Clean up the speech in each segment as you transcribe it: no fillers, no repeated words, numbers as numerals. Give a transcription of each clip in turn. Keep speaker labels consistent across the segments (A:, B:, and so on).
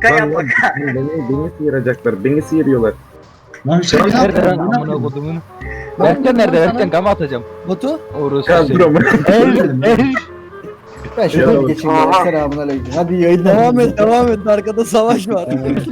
A: Aka
B: Lan
A: yap
B: lan,
A: aka.
B: beni sıyıracaklar. Beni sıyırıyorlar.
C: Lan şey
D: Nerede lan
C: yapma.
D: amına kodumun? Berkcan nerede? Berkcan gama atacağım.
E: Batu.
D: Orası
B: Ya dur ama.
E: Ben şöyle bir geçeyim ya. Selamun aleyküm. Hadi yayınlar. Devam et. Arkada savaş var.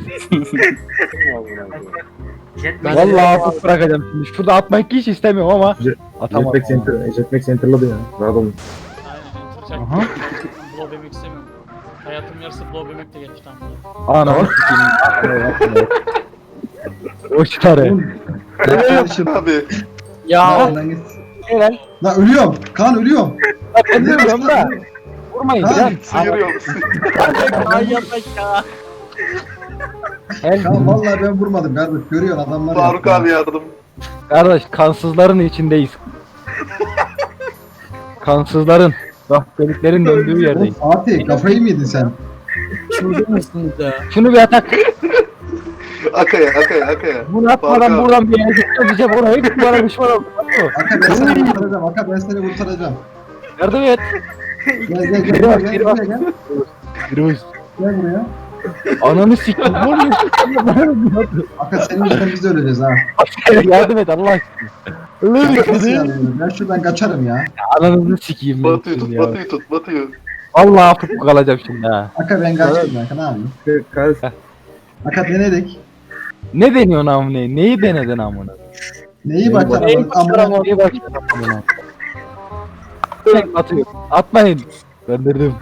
A: Jetpack.
D: Vallahi hafif bırakacağım şimdi. Şurada atmayı hiç istemiyorum ama atamadım.
B: Jetpack Center'ladı ya. Rahat olun.
F: Aynen.
D: Aha.
F: Blow yemek istemiyorum. Hayatım yarısı blow yemek de geçti ama.
D: Ana sikeyim. O çıkarı.
C: Kardeşim.
G: Abi.
F: Ya.
C: Lan git.
D: Helal.
C: Lan ölüyorum. Kaan ölüyorum.
D: Bak ben diyorum da. Vurmayın
C: Ha,
D: can.
G: Sıyırıyor.
F: Ay yapmak ya.
D: Helal.
C: Kaan vallahi ben vurmadım kardeş. Görüyorsun adamlar.
G: Faruk
C: yaptı.
G: abi yardım.
D: Kardeş kansızların içindeyiz. Kansızların. Rahbeliklerin döndüğü
C: Oğlum
D: yerdeyiz.
C: Fatih kafayı mı yedin sen?
E: Çılgın mısınız ya?
D: Şunu bir atak.
G: Akaya.
D: Bunu atmadan
G: Faruk abi.
D: buradan bir yere gideceğim. Oraya git bana düşman ol.
C: Aka ben seni kurtaracağım. Aka ben seni kurtaracağım.
D: Yardım et.
C: Gel
D: Geri bak. Virüs.
C: Gel buraya.
D: Ananı sikeyim. Ne oluyor?
C: Aka senin yüzünden biz de öleceğiz ha.
D: Yardım et Allah aşkına. Öyle
C: Nasıl
D: bir
C: yani? Ben şuradan kaçarım ya.
D: Ananızı sikeyim ben
G: Batıyı
D: şimdi
G: tut,
D: ya.
G: Batıyı tut, Batıyı.
D: Vallahi hafif kalacağım şimdi ha.
C: Aka ben kaçayım Aka ne yapayım?
B: Kaz.
C: Aka denedik.
D: Ne deniyorsun amına? Neyi denedin amına?
C: Neyi başladı?
D: Neyi
C: Amına
D: Neyi başladın amına? Tek atıyor. Atmayın. Gönderdim.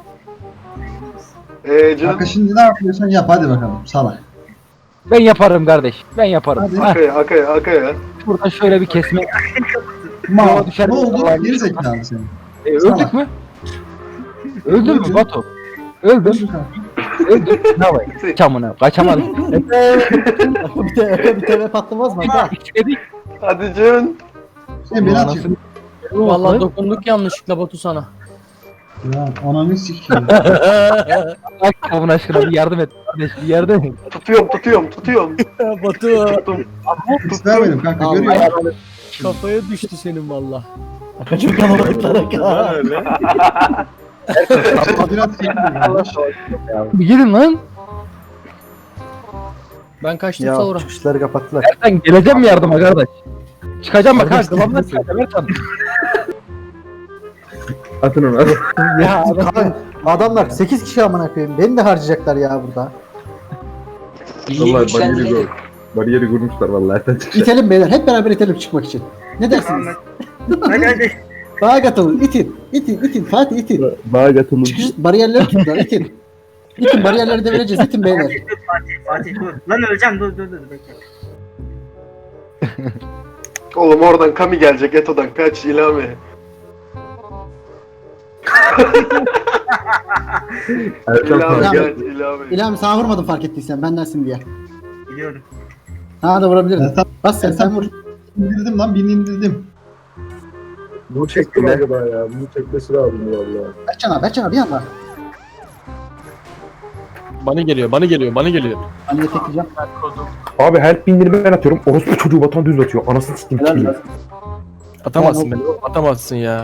G: Canım.
C: Aka şimdi ne yapıyorsan yap hadi bakalım salak.
D: Ben yaparım kardeş. Ben yaparım.
C: Hadi.
D: Ha,
G: Akaya.
D: buradan şöyle bir kesme.
C: Ma
D: düşer
C: ne
D: mi?
C: oldu?
D: Allah'ım.
C: Geri zekalı senin.
D: Öldük mü? Öldün mü Batu? Öldüm. Öldüm. Ne yapayım? Çamına. Kaçamadım.
E: bir tane patlamaz mı? Aka?
D: Dedik.
G: Hadi Can.
C: Sen beni atıyorsun.
E: Vallahi dokunduk yanlışlıkla Batu sana.
C: Ya ananı sikeyim.
D: Bak kavun aşkına bir yardım et. Kardeş bir yardım et.
G: Tutuyorum.
E: Batu
G: Tuttum.
C: Hiç vermedim kanka
E: Allah.
C: görüyor.
E: kafaya düştü senin valla. Aka çok kalabalıklar Aka.
C: Biraz
D: Bir gidin lan.
E: Ben kaçtım sonra.
H: çıkışları kapattılar.
D: Ertan geleceğim mi yardıma kardeş? Çıkacağım bak ha. Kıvamda Ertan.
B: Atın onu. Atın.
D: Ya
H: Adamlar 8 kişi amına koyayım. Beni de harcayacaklar ya burada.
B: Vallahi bariyeri kurmuşlar vallahi. Erten çıkacak.
H: İtelim beyler. Hep beraber itelim çıkmak için. Ne dersiniz?
A: Hadi.
H: Bağa katılın. İtin. Fatih itin.
B: Bağa katılın.
H: Çıkış bariyerleri tuttular. İtin. İtin bariyerleri devireceğiz. İtin beyler.
A: Fatih dur. Lan öleceğim dur bekle.
G: Oğlum oradan Kami gelecek Eto'dan kaç ilame.
B: Ertan
G: İlame
H: Tamam.
G: gel ilame.
H: İlham sana vurmadım fark ettiysen. Bendensin diye.
A: Biliyorum.
H: Sana da vurabilirim.
C: Ertan-
H: Bas sen vur.
C: indirdim lan birini indirdim.
B: Bu çekti galiba ya. Bunu çekmesi lazım vallahi.
H: Berkcan abi bir anda.
E: Bana geliyor.
H: Hani yetekleyeceğim.
B: Abi help bindirme ben atıyorum. Orospu çocuğu batan düz atıyor. Anasını sikeyim.
H: Helal
B: kim?
H: olsun.
E: Atamazsın beni. Atamazsın ya.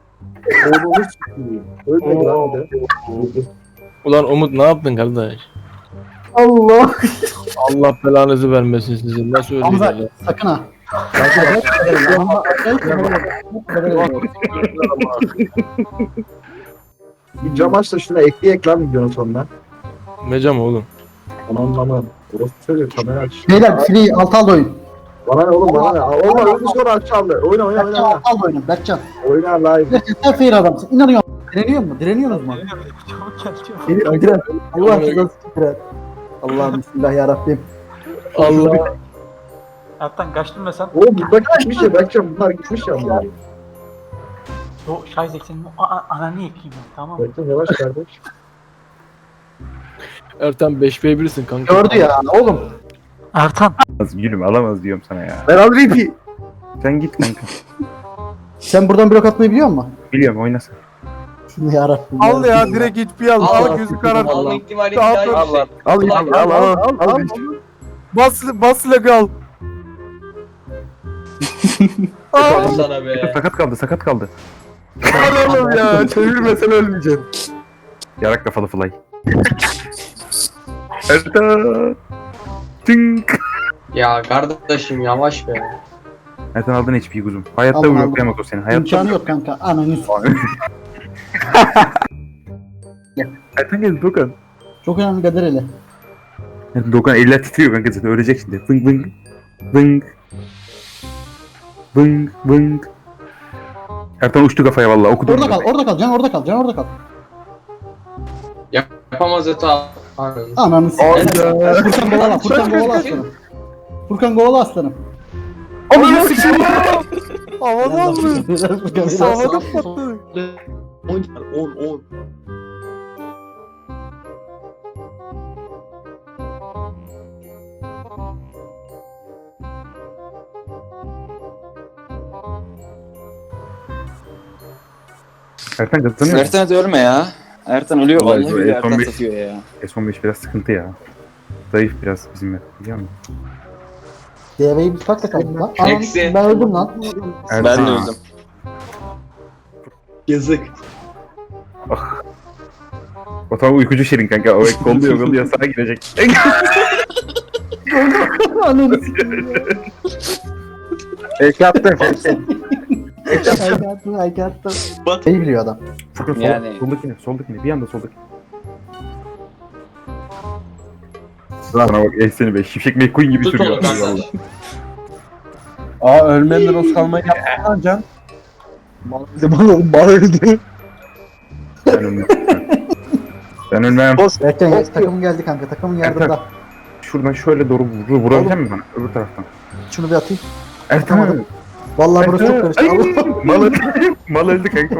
B: Ölmedi lan bir de.
E: Ulan Umut ne yaptın kardeş?
H: Allah.
E: Allah belanızı vermesin sizin. Nasıl
H: Hamza
E: öldürdün?
H: sakın ha.
B: Bir cam aç da şuna ekleyek lan videonun sonuna.
E: Mecam oğlum.
B: Aman. Orospu çocuğu kamera aç.
H: Beyler free alt al oyun.
B: Bana ne oğlum bana ne? Olma oyunu sonra aç abi. Oyna.
H: Berkcan alt al oyunu. Berkcan.
B: Oyna live.
H: Sen fair adamsın. İnanıyorum. Direniyorsunuz mu? Diren. Allah rızası için diren. Allah'ım bismillah ya Rabbim.
E: Allah.
I: Ertan kaçtın mı sen?
B: Oğlum bunlar gitmiş ya. Bakacağım bunlar gitmiş ya. bunlar.
I: O Şahizek senin ananı yakayım ben, tamam mı?
B: Bakacağım yavaş kardeş.
E: Ertan 5v1'sin kanka.
H: Gördü ya oğlum.
I: Ertan.
J: Gülüm alamaz diyorum sana ya.
B: Ben al repi.
J: Sen git kanka.
H: Sen buradan blok atmayı biliyor musun?
J: Biliyorum oynasın.
H: Şunu ya Rabbim.
E: Al ya direkt hiç bir al. Al gözü karar.
K: Alma ihtimali
E: Al,
K: daha
E: al,
K: yüksek.
B: Al.
E: Bas ile al.
K: Al sana be.
J: Sakat kaldı.
E: Al oğlum ya. Çevirmesen ölmeyeceksin.
J: Yarak kafalı fly. Ertan. Tink.
K: Ya kardeşim yavaş be.
J: Ertan aldın HP kuzum. Hayatta
H: Aldım,
J: bloklayamaz o seni. Hayatta
H: İmkanı yok kanka. Ananı
J: Ertan geldi Dokan.
H: Çok önemli Kadir hele.
J: Dokan eller titriyor kanka zaten ölecek şimdi. Vıng vıng. Vıng. Vıng vıng. Ertan uçtu kafaya vallahi okudu.
H: Orada kal, orada kal. Can orada kal, can orada kal.
K: Yapamaz Eto.
H: Ananı Furkan kovala, Furkan kovala aslanım. Furkan kovala aslanım.
E: Ananı sikeyim. Havada mı? Havada
K: patladı. 10.
J: Ertan kazanıyor.
L: Ertan hadi ölme ya. Ertan ölüyor
J: Vallahi
L: vallahi billahi Ertan
J: F15
L: satıyor ya.
J: S15 biraz sıkıntı ya. Zayıf biraz bizim yer. Biliyor musun?
H: DV'yi biz kaç kaldık lan? Anam,
K: Eksi.
H: ben öldüm lan.
J: Ertan.
L: Ben de öldüm.
K: Yazık.
J: O tam uykucu şirin kanka. O kolluyor sağa girecek.
H: Ananı
D: Fake attım fake.
H: I got them. Şey biliyor adam.
J: Furkan
L: Yani.
J: soldakine bir anda soldakine. Bana bak seni be şifşek McQueen gibi
K: Tut
J: sürüyor.
K: onu kanka.
J: Vallahi.
D: Aa ölmeyenler o kalmayı yaptı lan Can. Mal öldü.
J: Ben ölmem. Ben ölmem.
H: Erken takım geldi kanka, takımın yardımda.
J: Şuradan şöyle doğru vurabilecek misin bana? Öbür taraftan.
H: Şunu bir atayım.
J: Ertan.
H: Atamadım. Vallahi burası çok karıştı. Allah.
J: Mal öldü. Mal öldü kanka.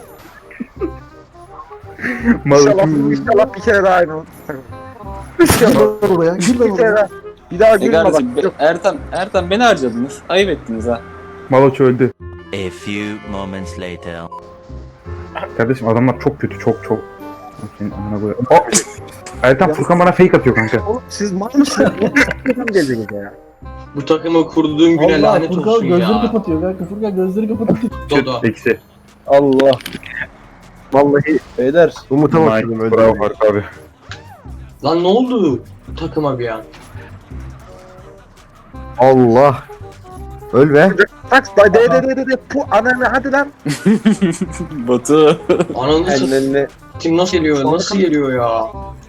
J: Mal öldü.
D: İnşallah bir kere daha aynı oldu.
H: Gir lan oraya, gir lan oraya.
D: Bir daha gülme bak.
L: kardeşim Ertan beni harcadınız. Ayıp ettiniz ha.
J: Maloç öldü.
M: A few moments later.
J: Kardeşim adamlar çok kötü çok. Senin amına koyayım. Ertan Furkan bana fake atıyor kanka.
D: Oğlum siz mal mısınız? Nasıl geldiniz ya?
K: Bu takımı kurduğun güne
H: Allah,
K: lanet
H: Furkan
K: olsun
H: gözleri
K: ya.
H: kapatıyor kanka. Furkan gözleri kapatıyor.
K: Dodo.
J: Eksi.
D: Allah. Vallahi beyler Umut'a bakıyorum
J: Nice. Bravo Faruk abi.
K: Lan ne oldu takıma bir an?
D: Allah. Öl be. Tak de pu ananı hadi lan.
L: Batu.
K: Ananı satayım. Kim nasıl geliyor? Nasıl geliyor ya?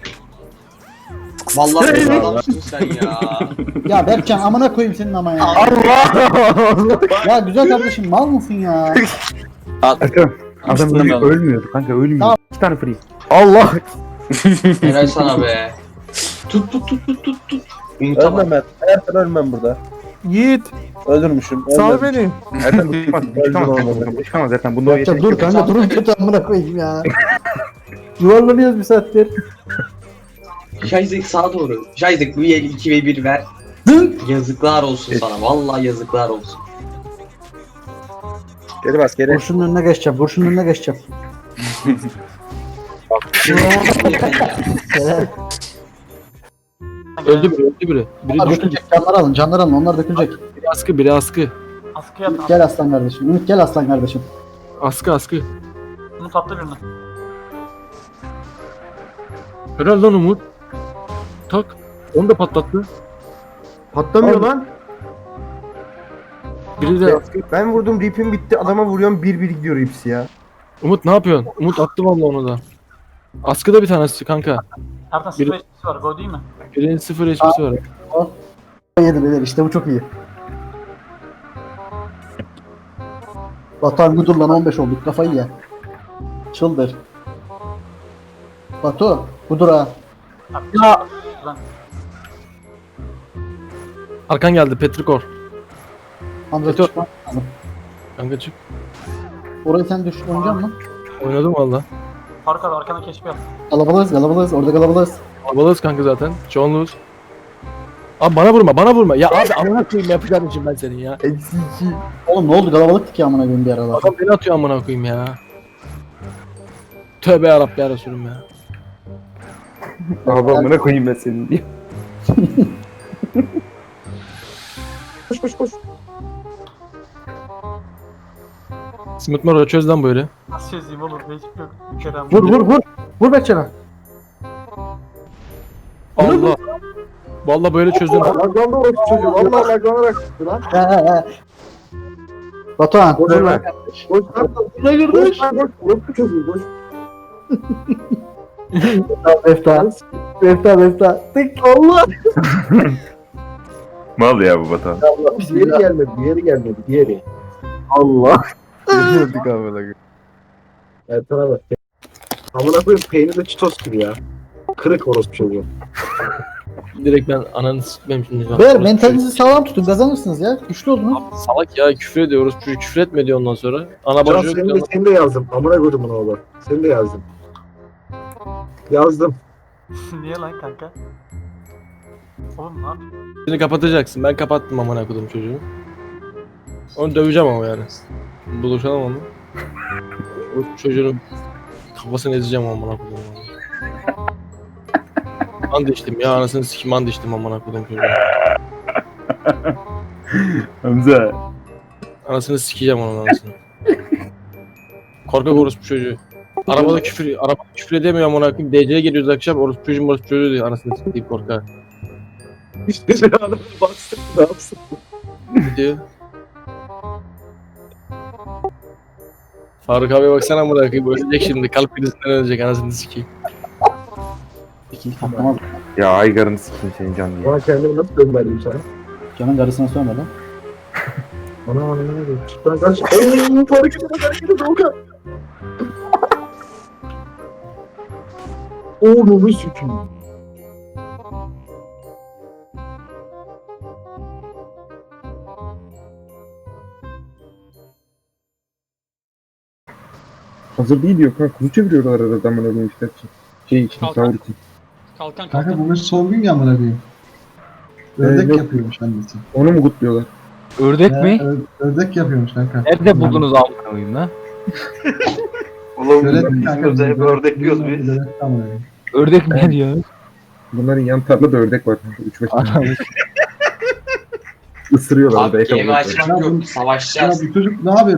K: Vallahi bir adamsın sen ya.
H: Ya Berkcan amına koyayım senin ama ya. Allah! Ya güzel kardeşim mal mısın ya?
J: Ertan. Adam
L: Üstüne
J: ölmüyor,
L: mi aldın?
J: ölmüyordu kanka ölmüyor.
H: Tamam.
J: 2 tane free.
D: Allah.
K: Helal sana be. Tut. Unutamadım.
D: Ölmem ben. Ertan ölmem burada.
E: Yiğit.
D: Öldürmüşüm.
E: Sal beni.
J: Ertan bu çıkmaz. Bu çıkamaz. Bu çıkamaz Ertan. Bunda o
H: Berkcan
J: yetenek
H: dur
J: yok.
H: kanka durun kötü amına koyayım ya. Yuvarlanıyoruz bir saattir.
K: Şayzek sağa doğru. Şayzek bu el 2 ve 1 ver.
H: Dın.
K: Yazıklar olsun sana. Vallahi yazıklar olsun.
D: Geri bas geri.
H: Kurşunun önüne geçeceğim. Kurşunun önüne geçeceğim. Helal.
E: Öldü biri. Biri
H: Onlar
E: düştü.
H: dökülecek. Canları alın. Onlar dökülecek.
E: Biri askı.
F: Askıya at.
H: Gel aslan kardeşim. Ümit gel aslan kardeşim.
E: Askı.
F: Umut attı birini.
E: Helal lan Umut. Tak. Onu da patlattı.
D: Patlamıyor lan.
E: Biri de askı.
D: Ben vurdum ripim bitti adama vuruyorum 1-1 gidiyor hepsi ya.
E: Umut ne yapıyorsun? Umut attı vallahi onu da. Askıda bir tanesi kanka.
F: Ertan 0 HP'si var. Go değil mi?
E: Birinin 0 HP'si var.
H: Yedi beyler işte bu çok iyi. Batuhan Gudur lan 15 olduk kafayı ye. Çıldır. Batu Gudur ha.
F: Ya.
E: Arkan geldi Petrikor.
H: Hamza
E: Beto.
H: çıkma.
E: Kanka çık.
H: Orayı sen düş oynayacak mısın?
E: Oynadım valla.
F: Faruk abi arkana keşfi yap.
H: Kalabalığız orada kalabalığız.
E: Alabalığız kanka zaten. Çoğunluğuz. Abi bana vurma. Ya abi amına koyayım yapacağım için ben senin ya.
D: Eksi 2.
H: Oğlum ne oldu kalabalıktık ya amına koyayım bir aralar.
E: Adam beni atıyor amına koyayım ya. Tövbe yarabbi ya Resulüm ya.
J: Adamına koyayım ben senin diye.
D: Koş.
E: Smith Moro çöz lan böyle.
F: Nasıl çözeyim oğlum? Hiç yok. Bir kere ama.
H: Vur Berkcan'a.
E: Aa Allah. Vallahi böyle çözdüm.
B: Laglandı orası çocuğu. Vallahi laglanarak çıktı lan.
H: He. Batuhan.
B: Boş ver. Boş ver.
H: Ne girdi?
B: Boş ver. Orası çocuğu. Boş.
H: Mefta. Tık Allah.
J: Mal ya bu Batuhan.
B: Diğeri gelmedi.
H: Allah.
E: Öldük abi.
B: Ertan'a bak. Amına koyayım peynirde çitos gibi ya. Kırık orospu çocuğu.
E: Direkt ben ananı sikmem şimdi.
H: Beyler mentalinizi sağlam tutun kazanırsınız ya. Güçlü olun.
E: Abi salak ya küfür ediyoruz. Çocuk küfür etme diyor ondan sonra. Ana
B: Can
E: bacı yok.
B: seni de yazdım. Amına koydum bunu oğlum. Seni de yazdım. Yazdım.
I: Niye lan kanka? Oğlum ne yapayım?
E: Seni kapatacaksın. Ben kapattım amına kodum çocuğu. Onu döveceğim ama yani. Buluşalım onu. O çocuğun kafasını ezeceğim amına kodum. And içtim ya anasını sikim and içtim amına kodum çocuğu.
J: Hamza.
E: Anasını sikeceğim onun anasını. Korkak orospu çocuğu. Arabada küfür edemiyor amına koyayım. DC'ye geliyoruz akşam orospu çocuğu diyor anasını sikeyim korkak.
B: İşte sen adamı bastın. Ne yapsın?
E: Ne diyor? Faruk abiye baksana amına koyayım ölecek şimdi kalp krizinden ölecek anasını sikeyim.
J: Ya Aygar'ını sikeyim senin can diye.
B: Bana kendimi nasıl dönmeliyim sana?
H: Canın karısına söyleme lan.
B: Ana ne oluyor? Ben kaç... Ooo harekete Doğukan. Oğlumu sikeyim.
J: Hazır değil diyor kanka. Kuzu çeviriyorlar arada amına koyayım işte. Şey için,
F: Kalkan.
J: sahur için.
F: Kalkan
C: Kanka
F: kalkan.
C: bugün son gün ya amına koyayım. Ördek
J: yok.
C: yapıyormuş annesi.
J: Onu mu kutluyorlar?
D: Ördek mi?
C: Ördek yapıyormuş kanka.
D: Nerede buldunuz amına koyayım lan?
G: Oğlum
C: Öyle
G: biz kızda hep ördek diyoruz biz.
D: Ördek mi diyor?
J: Bunların yan tarlada ördek var kanka. 3-5 tane. Isırıyorlar orada.
K: Abi gemi
J: yakalıyorlar.
K: açmak yok.
C: Ya
K: Savaşacağız.
C: bu çocuk ne yapıyor?